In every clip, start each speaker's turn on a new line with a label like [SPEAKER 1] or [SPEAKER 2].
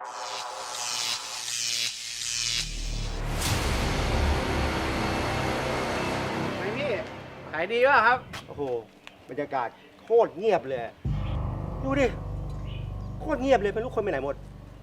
[SPEAKER 1] ไงพี่ขายดีป่ะครับ
[SPEAKER 2] โอ้โหบรรยากาศโคตรเงียบเลยดูดิโคตรเงียบเลยไม่รู้คนไปไหนหมด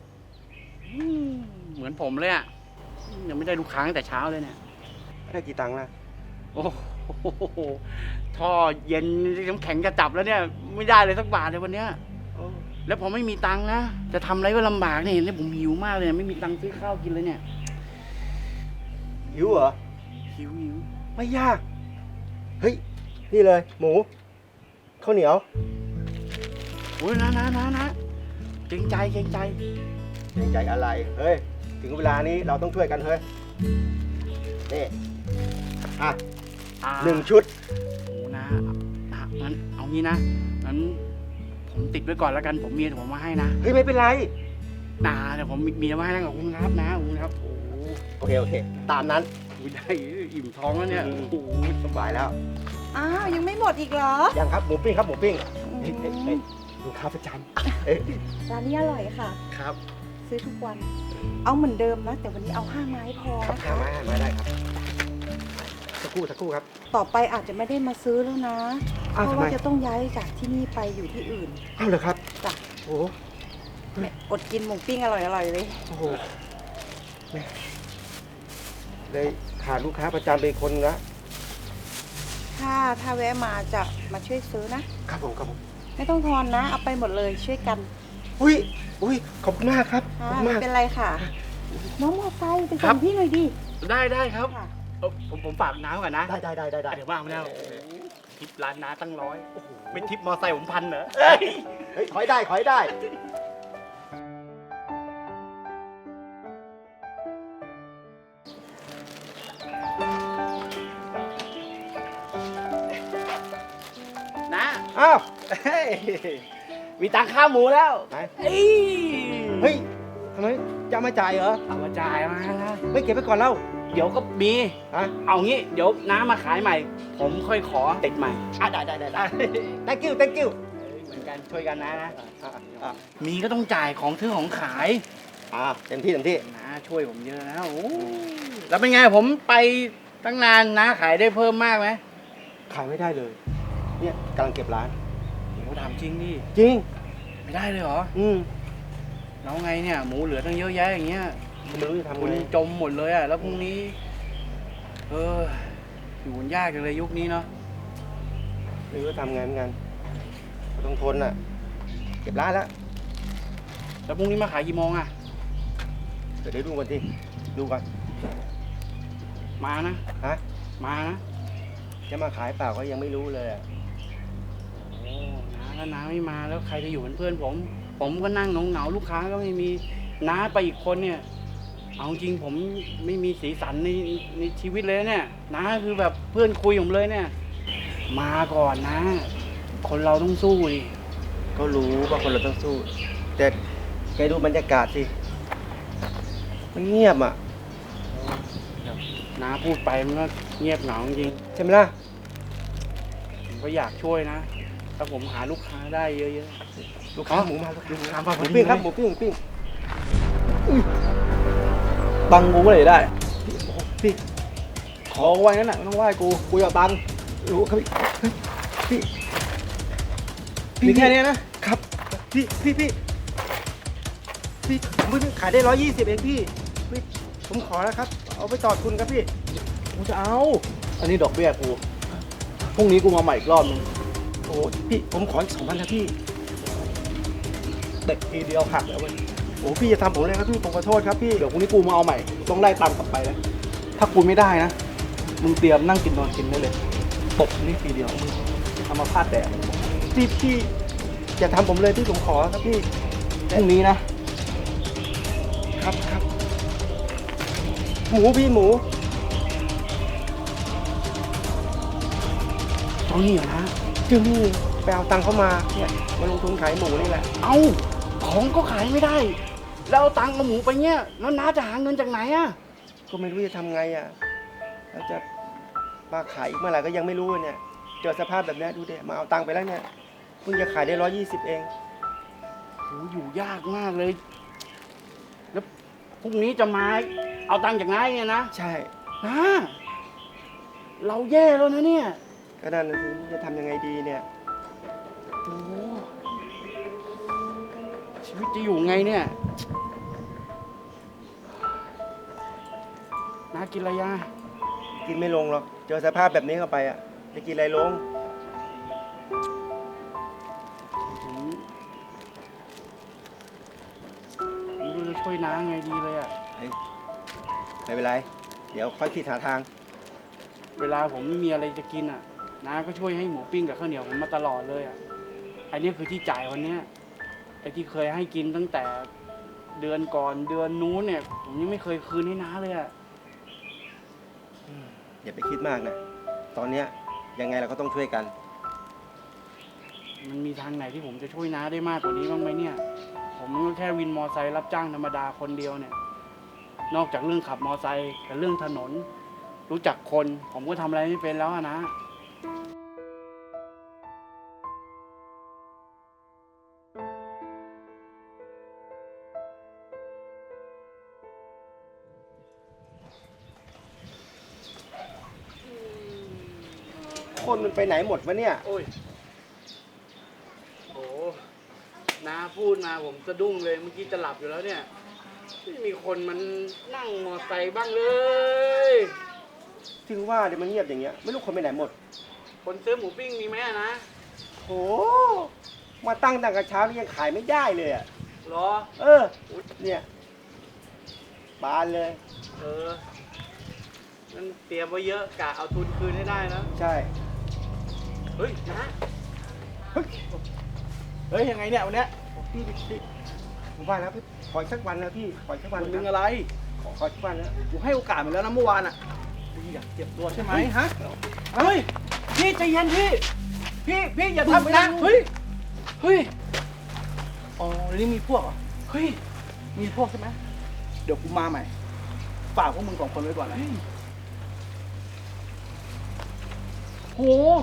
[SPEAKER 1] เหมือนผมเลยอ่ะยังไม่ได้ลูกค้าตั้งแต่เช้าเลยเนี่ย
[SPEAKER 2] ได้กี่ตังค์นะ
[SPEAKER 1] โอ้โหท่อเย็นน้ำแข็งจะจับแล้วเนี่ยไม่ได้เลยสักบาทเลยวันเนี้ย
[SPEAKER 2] โอ้
[SPEAKER 1] แล้วผมไม่มีตังค์นะจะทำอะไรก็ลำบากเนี่ยแล้วผมหิวมากเลยไม่มีตังค์ซื้อข้าวกินเลยเนี่ย
[SPEAKER 2] หิวเหรอ
[SPEAKER 1] หิว
[SPEAKER 2] ไม่ยากเฮ้ยนี่เลยหมูข้าวเหนียว
[SPEAKER 1] โอ้ยนะเกรงใจ
[SPEAKER 2] เกรงใจอะไรเฮ้ยถึงเวลานี้เราต้องช่วยกันเฮ้ยนี่อ่ะ1 ชุด
[SPEAKER 1] โอ้นะงั้นเอางี้นะงั้นผมติดไว้ก่อนแล้วกันผมมีเดี๋ยวผมมาให้นะ
[SPEAKER 2] เฮ้ยไม่เป็นไร
[SPEAKER 1] เดี๋ยวผมมีมาให้นะขอบคุณครับนะขอบคุณครับโอ้
[SPEAKER 2] โอเคตามนั้น
[SPEAKER 1] ได้อิ่มท้องแล้วเนี่ยโอ้โห
[SPEAKER 2] สบายแล้ว
[SPEAKER 3] อ้าวยังไม่หมดอีกเหรอ
[SPEAKER 2] ยังครับหมูปิ้งครับหมูปิ้งเฮ้ยลูกค้าประจำเอ้ย
[SPEAKER 3] ร้านนี้อร่อยค่ะ
[SPEAKER 1] ครับ
[SPEAKER 3] ซื้อทุกวัน เอาเหมือนเดิมนะ แต่วันนี้เอา5 ไม้พอ
[SPEAKER 2] ครับ
[SPEAKER 3] นะ
[SPEAKER 2] ข้า
[SPEAKER 3] คะ
[SPEAKER 2] มาได้ครับสักครู่ครับ
[SPEAKER 3] ต่อไปอาจจะไม่ได้มาซื้อแล้วนะ เพ
[SPEAKER 2] อ้าว
[SPEAKER 3] ราะ
[SPEAKER 2] ทำไม
[SPEAKER 3] ว่าจะต้องย้ายจากที่นี่ไปอยู่ที่อื่น
[SPEAKER 2] อ้าวเหรอครับ
[SPEAKER 3] จ้ะ
[SPEAKER 2] โอ้
[SPEAKER 3] อดกินหมูปิ้งอร่อยๆเลย
[SPEAKER 2] โหแม่เลยขาดลูกค้าประจำไปคนละ
[SPEAKER 3] ถ้าแวะมาจะมาช่วยซื้อนะ
[SPEAKER 2] ครับผม
[SPEAKER 3] ไม่ต้องทอนนะ เอาไปหมดเลยช่วยกัน
[SPEAKER 2] อุ้ยขอบคุณมากครับขอบคุณ
[SPEAKER 3] ไม่
[SPEAKER 2] มาก
[SPEAKER 3] เป็นไรค่ะ น้องมอไซค์ไป
[SPEAKER 1] ครั
[SPEAKER 3] ส่
[SPEAKER 1] บ
[SPEAKER 3] งพี่หน่อยดิ
[SPEAKER 1] ได้ครับ
[SPEAKER 3] ค่ะ
[SPEAKER 1] ผมฝากน้ำก่อนนะ
[SPEAKER 2] ได้
[SPEAKER 1] เดี๋ยวมาเอาแล้วทิปร้านน้าตั้ง100
[SPEAKER 2] โอ้โห
[SPEAKER 1] เป็นทิปมอไซค์ผม1,000เหรอ
[SPEAKER 2] เฮ้ยขอยได้
[SPEAKER 1] นะ
[SPEAKER 2] อ้าว
[SPEAKER 1] เฮ้ยมีตังค่าหมูแล้ว
[SPEAKER 2] ไหน
[SPEAKER 1] เฮ้ย
[SPEAKER 2] เฮ้ยทำไมจะมาจ่ายเหรอ
[SPEAKER 1] เอามาจ่ายมานะ
[SPEAKER 2] ไม่เก็บไปก่อนเล่า
[SPEAKER 1] เดี๋ยวก็มี
[SPEAKER 2] ฮะ
[SPEAKER 1] เอางี้เดี๋ยวน้ามาขายใหม่ ผมค่อยขอติดใหม่
[SPEAKER 2] ได้ thank you
[SPEAKER 1] เหมือนกันช่วยกันนะ
[SPEAKER 2] อ่ะ
[SPEAKER 1] มีก็ต้องจ่ายของซื้อของขาย
[SPEAKER 2] เต็มที่
[SPEAKER 1] นะช่วยผมเยอะนะโอ้แล้วเป็นไงผมไปตั้งนานนะขายได้เพิ่มมากไหม
[SPEAKER 2] ขายไม่ได้เลย เนี่ยกำลังเก็บร้าน
[SPEAKER 1] โอ้ถามจริงดิ
[SPEAKER 2] จริง
[SPEAKER 1] ไม่ได้เลยเหรอ แล้วไงเนี่ยหมูเหลือตั้งเยอะแยะอย่างเงี้ย
[SPEAKER 2] ผมไม่รู้จะทำ
[SPEAKER 1] คุณ
[SPEAKER 2] ไง
[SPEAKER 1] จมหมดเลยอ่ะแล้วพรุ่งนี้อยู่กันยากจังเลยยุคนี้เนาะ
[SPEAKER 2] ไม่รู้จะทำไงเหมือนกันก็ต้องทนอ่ะ เก็บร้านแล้ว
[SPEAKER 1] แล้วพรุ่งนี้มาขายกี่โมงอ่ะ
[SPEAKER 2] เดี๋ยวดูก่อนดูก่อน
[SPEAKER 1] มานะ
[SPEAKER 2] ฮะ
[SPEAKER 1] มานะ
[SPEAKER 2] จะมาขายเปล่าก็ยังไม่รู้เลยอะ
[SPEAKER 1] โอ้น้าแล้วน้าไม่มาแล้วใครจะอยู่เป็นเพื่อนผม ผมก็นั่งเหงาๆลูกค้าก็ไม่มีน้าไปอีกคนเนี่ย เอาจริงผมไม่มีสีสันในชีวิตเลยเนี่ยน้าคือแบบเพื่อนคุยผมเลยเนี่ย มาก่อนนะ คนเราต้องสู้ดิ
[SPEAKER 2] ก็รู้ว่าคนเราต้องสู้ แต่แกดูบรรยากาศสิ มันเงียบอ่ะ
[SPEAKER 1] น้าพูดไปมันก็เงียบเหงาจริง
[SPEAKER 2] ใช่ไหมล่ะ
[SPEAKER 1] ผมก็อยากช่วยนะ ถ้าผมหาลูกค้าได้เยอะ
[SPEAKER 2] ลูกค้าหมูมาลูกค้า
[SPEAKER 1] ลูกค้ามา
[SPEAKER 2] ห
[SPEAKER 1] พอ
[SPEAKER 2] มู
[SPEAKER 1] ดี
[SPEAKER 2] ปิ้งครับ
[SPEAKER 1] เลย
[SPEAKER 2] หมูปิ้ง
[SPEAKER 4] ตังค์กูเมื่อไหร่ได้
[SPEAKER 2] พี่
[SPEAKER 4] ขอไว้นั่นแหละไม่ต้องไหว้กูอยากตังค์
[SPEAKER 2] รู้ครับพี่
[SPEAKER 4] มีแค่เนี้ยนะ
[SPEAKER 2] ครับ พี่ผมเพิ่งขายได้120เองพี่ผมขอแล้วครับ เอาไปต่อทุนครับพี่
[SPEAKER 4] กูจะเอา อันนี้ดอกเบี้ยกู พรุ่งนี้กูมาใหม่อีกรอบนึง
[SPEAKER 2] โอ้พี่ผมขออีก2,000นะพี่
[SPEAKER 4] เด็กทีเดียวหักแล้วเว้ย
[SPEAKER 2] โอ้พี่จะทำผมเลยครับพี่ผมขอโทษครับพี่
[SPEAKER 4] เดี๋ยวพรุ่งนี้กูมาเอาใหม่กูต้องไล่ตังค์กลับไปนะถ้ากูไม่ได้นะ มึงเตรียมนั่งกินนอนกินได้เลย ตบนี่ทีเดียวมึงทำมาพลาดแต่
[SPEAKER 2] พี่อย่าทำผมเลยพี่ผมขอครับพี่
[SPEAKER 4] พรุ่งนี้นะ
[SPEAKER 2] ครับหมูพี่หมู
[SPEAKER 1] เจ้านี่เหรอนะ
[SPEAKER 2] จึงนี่ไปเอาตังค์เข้ามาเนี่ยมาลงทุนขายหมูนี่แหละ
[SPEAKER 1] เอาของก็ขายไม่ได้ แล้วเอาตังค์กับหมูไปเนี่ยแล้วน้าจะหาเงินจากไหนอะ
[SPEAKER 2] ก็ไม่รู้จะทำไงอ่ะแล้วจะมาขายอีกเมื่อไหร่ก็ยังไม่รู้เนี่ยเจอสภาพแบบนี้ดูดิมาเอาตังค์ไปแล้วเนี่ยเพิ่งจะขายได้120เอง
[SPEAKER 1] โหอยู่ยากมากเลยแล้วพรุ่งนี้จะมาเอาตังค์จากน้าเนี่ยนะ
[SPEAKER 2] ใช่
[SPEAKER 1] น้าเราแย่แล้วนะเนี่ย
[SPEAKER 2] ก็นั่นนะสิจะทำยังไงดีเนี่ย
[SPEAKER 1] โอ้โหชีวิตจะอยู่ไงเนี่ยน้ากินอะไรยา
[SPEAKER 2] กินไม่ลงหรอก เจอสภาพแบบนี้เข้าไปอ่ะ จะกินอะไรลง
[SPEAKER 1] ผมไม่รู้จะช่วยน้าไงดีเลยอ่ะ
[SPEAKER 2] ไม่เป็นไร เดี๋ยวค่อยคิดหาทาง
[SPEAKER 1] เวลาผมไม่มีอะไรจะกินอ่ะน้าก็ช่วยให้หมูปิ้งกับข้าวเหนียวผมมาตลอดเลยอ่ะไอ้นี่คือที่จ่ายวันเนี้ยไอ้ที่เคยให้กินตั้งแต่เดือนก่อนเดือนนู้นเนี่ย ผมยังไม่เคยคืนให้น้าเลยอ่ะ
[SPEAKER 2] อย่าไปคิดมากนะ ตอนเนี้ยยังไงเราก็ต้องช่วยกัน
[SPEAKER 1] มันมีทางไหนที่ผมจะช่วยน้าได้มากกว่านี้บ้างไหมเนี่ย ผมก็แค่วินมอไซค์รับจ้างธรรมดาคนเดียวเนี่ย นอกจากเรื่องขับมอไซค์กับเรื่องถนน รู้จักคน ผมก็ทำอะไรไม่เป็นแล้วอะนะ
[SPEAKER 2] คนมันไปไหนหมดวะเนี่ย
[SPEAKER 1] โอ้ยโหน้าพูดมาผมสะดุ้งเลย เมื่อกี้จะหลับอยู่แล้วเนี่ย ไม่มีคนมันนั่งมอไซค์บ้างเลย
[SPEAKER 2] ถึงว่าเดี๋ยวมันเงียบอย่างเงี้ย ไม่รู้คนไปไหนหมด
[SPEAKER 1] คนซื้อหมูปิ้งมีไหมอะนะ
[SPEAKER 2] โห มาตั้งแต่เช้านี่ยังขายไม่ได้เลยอ่ะ
[SPEAKER 1] เหรอ
[SPEAKER 2] เออ เนี่ยบานเลย
[SPEAKER 1] เออนั่นเตรียมไว้เยอะกะเอาทุนคืนให้ได้นะ
[SPEAKER 2] ใช่
[SPEAKER 1] เฮ้ยนะ
[SPEAKER 4] เฮ้ยยังไงเนี่ยวันเนี้ย
[SPEAKER 2] พี่ผมว่าแล้วพี่ขออีกสักวันนะพี่ ขออีกสักวัน
[SPEAKER 4] วันหนึง
[SPEAKER 2] นะ
[SPEAKER 4] อะไร
[SPEAKER 2] ขออีกสักวันนะ
[SPEAKER 4] กูให้โอกาสมันแล้วนะเมื่อวานอ่ะพี่อยากเจ็บตัวใช่ไหมฮะ เฮ้ย พี่ใจเย็นพี่ พี่อย่าทำนะ เฮ้ย เฮ้ย อ๋อเดี๋ยวนี้มีพวกเหรอ เฮ้ย มีพวกใช่ไหม เดี๋ยวกูมาใหม่ ฝากพวกมึง2 คนไว้ก่อนนะ
[SPEAKER 1] โห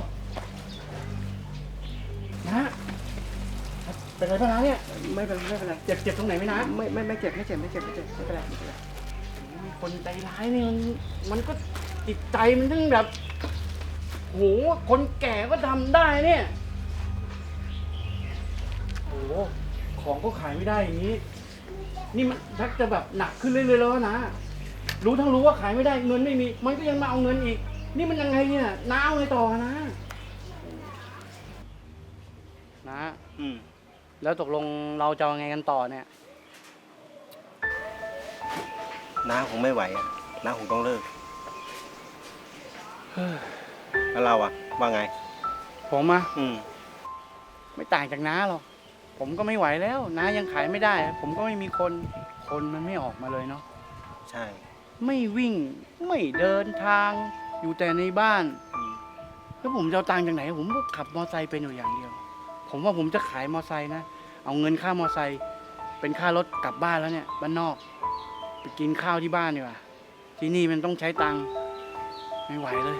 [SPEAKER 1] นะเป็นไรบ้างนะเนี่ย
[SPEAKER 2] ไม่เป็นไรไม่เป็นไร
[SPEAKER 1] เจ็บตรงไหนไหมนะ
[SPEAKER 2] ไม่เจ็บไม่เป็นไรไม่เป็นไร
[SPEAKER 1] คนใจร้ายนี่มันก็จิตใจมันทั้งแบบโหคนแก่ก็ทำได้เนี่ยโหของก็ขายไม่ได้อย่างนี้ นี่มันชักจะแบบหนักขึ้นเรื่อยๆแล้วนะ รู้ทั้งรู้ว่าขายไม่ได้เงินไม่มี มันก็ยังมาเอาเงินอีก นี่มันยังไงเนี่ยน้าเอาไงต่อนะนะ
[SPEAKER 2] อืม
[SPEAKER 1] แล้วตกลงเราจะเอาไงกันต่อเนี่ย
[SPEAKER 2] น้าคงไม่ไหวอ่ะน้าคงต้องเลิก แล้วเราอ่ะ ว่าไง
[SPEAKER 1] ผมอะ
[SPEAKER 2] อืม
[SPEAKER 1] ไม่ต่างจากน้าหรอกผมก็ไม่ไหวแล้วน้ายังขายไม่ได้ ผมก็ไม่มีคนมันไม่ออกมาเลยเนาะ
[SPEAKER 2] ใช่
[SPEAKER 1] ไม่วิ่งไม่เดินทางอยู่แต่ในบ้าน
[SPEAKER 2] อืม
[SPEAKER 1] แล้วผมจะเอาตังค์จากไหน ผมก็ขับมอไซค์เป็นอยู่อย่างเดียว ผมว่าผมจะขายมอไซค์นะ เอาเงินค่ามอไซค์เป็นค่ารถกลับบ้านแล้วเนี่ยบ้านนอก ไปกินข้าวที่บ้านดีกว่าที่นี่มันต้องใช้ตังค์ไม่ไหวเลย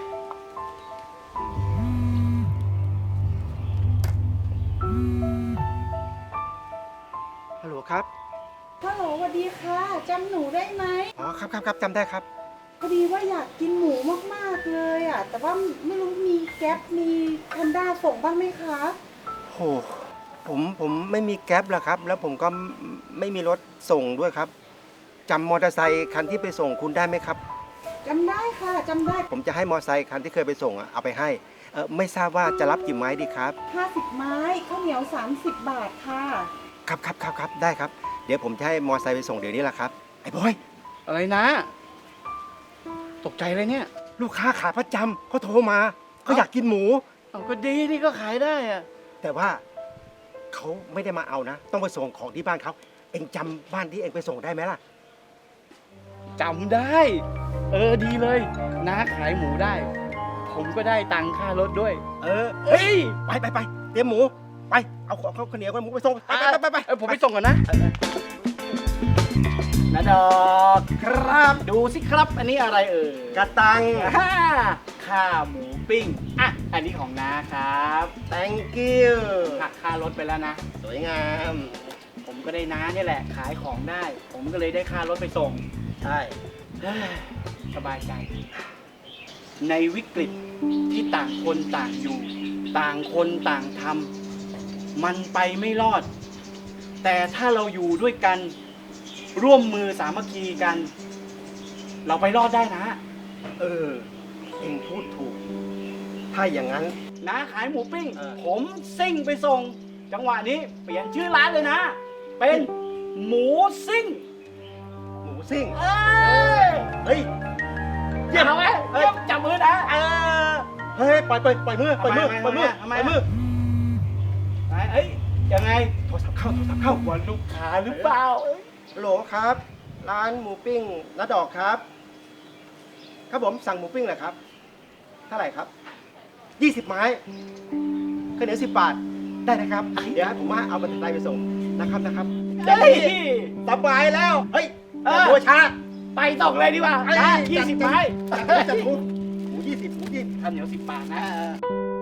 [SPEAKER 2] ฮัลโหลครับ
[SPEAKER 3] ฮัลโหลสวัสดีค่ะจำหนูได้ไหม
[SPEAKER 2] อ๋อครับจำได้ครับ
[SPEAKER 3] พอดีว่าอยากกินหมูมากๆเลยอ่ะ แต่ว่าไม่รู้มีแก๊ปมีแพนด้าส่งบ้างไหมคะ
[SPEAKER 2] โห ผมไม่มีแก๊ปแล้วครับ แล้วผมก็ไม่มีรถส่งด้วยครับจำมอเตอร์ไซค์คันที่ไปส่งคุณได้ไหมครับ
[SPEAKER 3] จำได้ค่ะจำได้
[SPEAKER 2] ผมจะให้มอเตอร์ไซค์คันที่เคยไปส่งอะเอาไปให้ ไม่ทราบว่าจะรับกี่ไม้ดีครับ
[SPEAKER 3] 50 ไม้ข้าวเหนียว 30 บาทค่ะ
[SPEAKER 2] ครับได้ครับ เดี๋ยวผมจะให้มอเตอร์ไซค์ไปส่งเดี๋ยวนี้แหละครับ ไอ้บอย
[SPEAKER 1] อะไรนะ ตกใจเลยเนี่ย
[SPEAKER 2] ลูกค้าขาประจำเขาโทรมาเขาอยากกินหมู
[SPEAKER 1] เอาก็ดีนี่ก็ขายได้อะ
[SPEAKER 2] แต่ว่าเขาไม่ได้มาเอานะ ต้องไปส่งของที่บ้านเขาเองจำบ้านที่เองไปส่งได้ไหมล่ะ
[SPEAKER 1] จำได้ ดีเลยน้าขายหมูได้ ผมก็ได้ตังค่ารถด้วย
[SPEAKER 2] เฮ้ยไปเตรียมหมูไปเอาข้าวเหนียวกับหมูไปส่งไป
[SPEAKER 1] ผมไปส่งก่อนนะนาดอกครับ ดูสิครับ อันนี้อะไร
[SPEAKER 2] กระตัง
[SPEAKER 1] ข้าหมูปิ้งอ่ะอันนี้ของน้าครับ
[SPEAKER 2] thank you
[SPEAKER 1] หักค่ารถไปแล้วนะ
[SPEAKER 2] สวยงาม
[SPEAKER 1] ผมผมก็ได้น้าเนี่ยแหละ ขายของได้ ผมก็เลยได้ค่ารถไปส่ง
[SPEAKER 2] ใช่
[SPEAKER 1] เฮ้ยสบายใจ ในวิกฤตที่ต่างคนต่างอยู่ ต่างคนต่างทำมันไปไม่รอด แต่ถ้าเราอยู่ด้วยกัน ร่วมมือสามัคคีกัน เราไปรอดได้นะ
[SPEAKER 2] เออเองพูดถูก ถ้าอย่างนั้น
[SPEAKER 1] นะขายหมูปิ้ง
[SPEAKER 2] เออ
[SPEAKER 1] ผมซิ่งไปส่ง จังหวะนี้เปลี่ยนชื่อร้านเลยนะ เป็นหมูซิ่ง
[SPEAKER 2] หมูซิ่ง
[SPEAKER 1] เอ้ย
[SPEAKER 2] เฮ้ย
[SPEAKER 1] เยี่ยมไหมเยี่ยมจับมือนะ
[SPEAKER 2] เฮ้ยปล่อยมือปล่อยมือ
[SPEAKER 1] ทำ
[SPEAKER 2] ป
[SPEAKER 1] ไม
[SPEAKER 2] ล่อยมือ
[SPEAKER 1] เอ้ยยังไง
[SPEAKER 2] โทรศัพท์เข้า
[SPEAKER 1] วันลูกค้าหรือเปล่า
[SPEAKER 2] ฮัลโหลครับ ร้านหมูปิ้งน้าดอกครับ ครับผมสั่งหมูปิ้งเลยครับ เท่าไหร่ครับ 20 ไม้ข้าวเหนียว10 บาท ได้นะครับ เดี๋ยวให้ผมว่าเอาบัตรไทยไปส่งนะครับ
[SPEAKER 1] เฮ้ย
[SPEAKER 2] สบายแล้ว เฮ้ย
[SPEAKER 1] เออ
[SPEAKER 2] อย่ามัวช้า
[SPEAKER 1] ไปส่งเลยดีกว่านะ20 ไม้
[SPEAKER 2] จะถูกหมู20
[SPEAKER 1] ข้าวเหนียว10 บาทนะ